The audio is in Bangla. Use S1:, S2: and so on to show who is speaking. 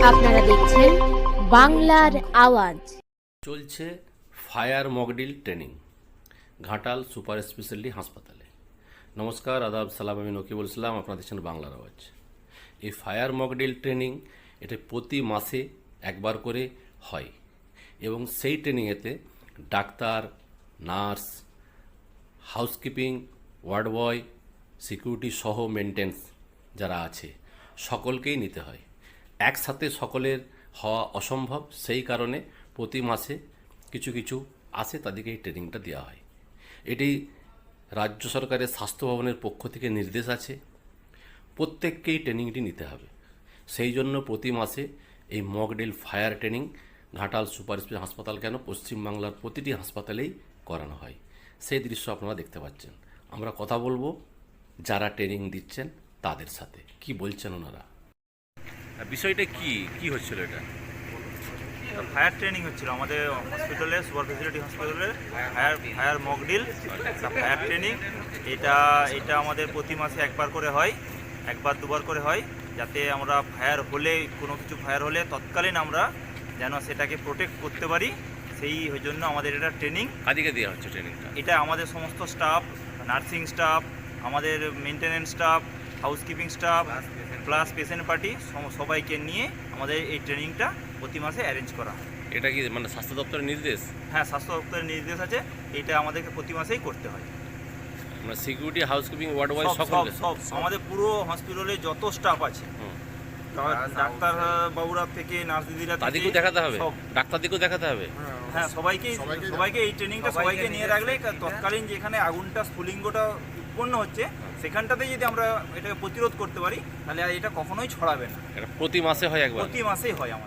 S1: আপনারা দেখছেন বাংলার আওয়াজ।
S2: চলছে fire mock drill training Ghatal super speciality হাসপাতালে। নমস্কার, আদাব, সালাম, আমি নকিবুল ইসলাম, আপনারা দেখছেন বাংলার আওয়াজ। এই ফায়ার মকড্রিল ট্রেনিং এটা প্রতি মাসে একবার করে হয় এবং সেই ট্রেনিংয়েতে doctor, nurse, housekeeping, ward boy, security সহ মেনটেন্স যারা আছে সকলকেই নিতে হয়। একসাথে সকলের হওয়া অসম্ভব, সেই কারণে প্রতি মাসে কিছু কিছু আসে, তাদেরকে এই ট্রেনিংটা দেওয়া হয়। এটি রাজ্য সরকারের স্বাস্থ্য ভবনের পক্ষ থেকে নির্দেশ আছে, প্রত্যেককেই ট্রেনিংটি নিতে হবে। সেই জন্য প্রতি মাসে এই mock drill fire training Ghatal super speciality হাসপাতাল কেন, পশ্চিমবাংলার প্রতিটি হাসপাতালেই করানো হয়। সেই দৃশ্য আপনারা দেখতে পাচ্ছেন। আমরা কথা বলবো যারা ট্রেনিং দিচ্ছেন তাদের সাথে, কি বলছেন ওনারা। বিষয়টা কি হচ্ছিল? এটা
S3: ফায়ার ট্রেনিং হচ্ছিল আমাদের হসপিটালে, সুপার ফেসিলিটি হসপিটালে ফায়ার মকড্রিল ফায়ার ট্রেনিং। এটা আমাদের প্রতি মাসে একবার করে হয়, একবার দুবার করে হয়, যাতে আমরা ফায়ার হলে, কোনো কিছু ফায়ার হলে তৎকালীন আমরা যেন সেটাকে প্রোটেক্ট করতে পারি। সেই জন্য আমাদের এটা ট্রেনিং।
S2: কাদিকে দেওয়া হচ্ছে ট্রেনিংটা?
S3: এটা আমাদের সমস্ত স্টাফ, নার্সিং স্টাফ, আমাদের maintenance staff, housekeeping staff plus patient party সবাইকে নিয়ে আমাদের এই ট্রেনিংটা প্রতি মাসে অ্যারেঞ্জ করা হয়।
S2: এটা কি মানে স্বাস্থ্য দপ্তরের নির্দেশ?
S3: হ্যাঁ, স্বাস্থ্য দপ্তরের নির্দেশ আছে, এটা আমাদেরকে প্রতি মাসেই করতে হয়।
S2: মানে সিকিউরিটি, হাউসকিপিং, ওয়ার্ড বয়
S3: সব
S2: সকল
S3: আমাদের পুরো হসপিটালে যত স্টাফ আছে, ডাক্তার বাবুরা থেকে নার্স দিদিরা
S2: তাদেরকেও দেখাতে হবে, ডাক্তারদেরকেও দেখাতে হবে।
S3: হ্যাঁ, সবাইকে এই ট্রেনিংটা সবাইকে নিয়ে রাখলে তৎকালীন যেখানে আগুনটা স্ফুলিঙ্গটা উৎপন্ন হচ্ছে সেখানটাতে যদি আমরা এটাকে প্রতিরোধ করতে পারি, তাহলে আর এটা কখনোই ছড়াবে না।
S2: এটা প্রতি মাসে হয় একবার?
S3: প্রতি মাসেই হয় আমাদের।